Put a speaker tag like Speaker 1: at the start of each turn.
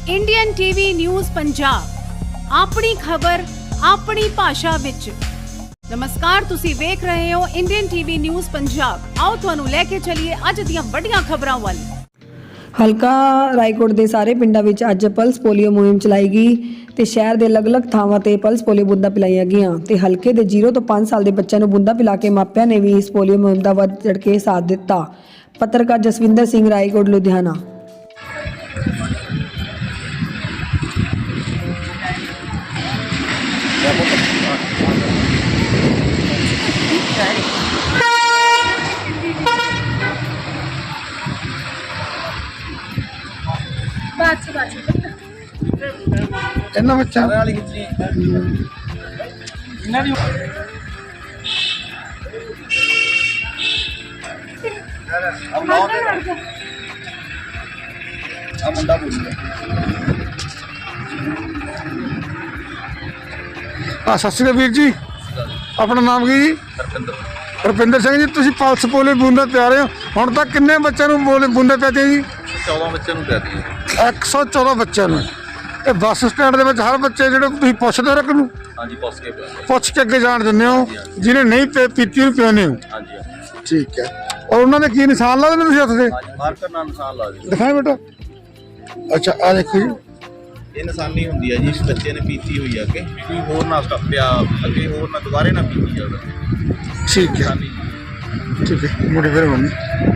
Speaker 1: Indian TV news Punjab अपनी खबर अपनी भाषा विच। नमस्कार, तुसी वेख रहे हो इंडियन टीवी न्यूज़ पंजाब। आओ तुहानू लेके चलिए अज दियां वड्डियां खबरां वल।
Speaker 2: हलका रायकोट के सारे पिंडों में अज पल्स पोलियो मुहिम चलाई गई तो शहर के अलग-अलग थावां ते पल्स पोलियो बूंदा पिलाईया गईयां ते हलके के 0 तो 5 साल के बच्चों को बूंदा पिला के मापिया ने भी इस पोलियो मुहिम का वध चढ़ के साथ दिता। पत्रकार जसविंदर सिंह, रायकोट, लुधियाना।
Speaker 3: ਇਹਨਾਂ ਬੱਚਾ ਸਤਿ ਸ਼੍ਰੀ ਅਕਾਲ ਵੀਰ ਜੀ, ਆਪਣਾ ਨਾਮ ਕੀ ਜੀ? ਰੁਪਿੰਦਰ ਸਿੰਘ ਜੀ। ਤੁਸੀਂ ਪਲਸ ਪੋਲੀਓ ਬੂੰਦਾਂ ਪਿਆ ਰਹੇ ਹੋ, ਹੁਣ ਤੱਕ ਕਿੰਨੇ ਬੱਚਿਆਂ ਨੂੰ ਬੂੰਦਾਂ ਪਿਆਤੀਆਂ ਜੀ?
Speaker 4: 14 ਬੱਚਿਆਂ ਨੂੰ ਪਿਆਤੀਆਂ।
Speaker 3: 114 ਬੱਚਿਆਂ ਨੂੰ। ਇਹ ਬੱਸ ਸਟੈਂਡ ਦੇ ਵਿੱਚ ਹਰ ਬੱਚੇ ਜਿਹੜੇ ਤੁਸੀਂ ਪੁੱਛਦੇ ਹੋ ਰੱਖ ਨੂੰ?
Speaker 4: ਹਾਂਜੀ,
Speaker 3: ਪੁੱਛ ਕੇ ਅੱਗੇ ਜਾਣ ਦਿੰਦੇ ਹੋ, ਜਿਹਨੇ ਨਹੀਂ ਪੀਤੀ ਉਹਨੂੰ ਪਿਆਉਂਦੇ ਹੋ?
Speaker 4: ਹਾਂਜੀ।
Speaker 3: ਠੀਕ ਹੈ। ਔਰ ਉਹਨਾਂ ਦੇ ਕੀ ਨਿਸ਼ਾਨ ਲਾ ਦਿੰਦੇ ਤੁਸੀਂ ਹੱਥ ਦੇ?
Speaker 4: ਮਾਰਕਰ ਨਾਲ ਨਿਸ਼ਾਨ ਲਾ ਦਿਓ।
Speaker 3: ਦਿਖਾਏ ਬੇਟਾ। ਅੱਛਾ, ਆ ਦੇਖੋ ਜੀ,
Speaker 4: ਇਹ ਨਿਸ਼ਾਨੀ ਹੁੰਦੀ ਹੈ ਜੀ ਇਸ ਬੱਚੇ ਨੇ ਪੀਤੀ ਹੋਈ ਆ ਕਿ ਕੋਈ ਹੋਰ ਨਾ ਪਿਆ ਅੱਗੇ, ਹੋਰ ਨਾ ਦੁਬਾਰੇ ਨਾ ਪੀਤੀ ਜਾਵੇ।
Speaker 3: ਠੀਕ ਹੈ, ਠੀਕ ਹੈ। ਮੁੰਡੇ ਫਿਰ ਮੰਮੀ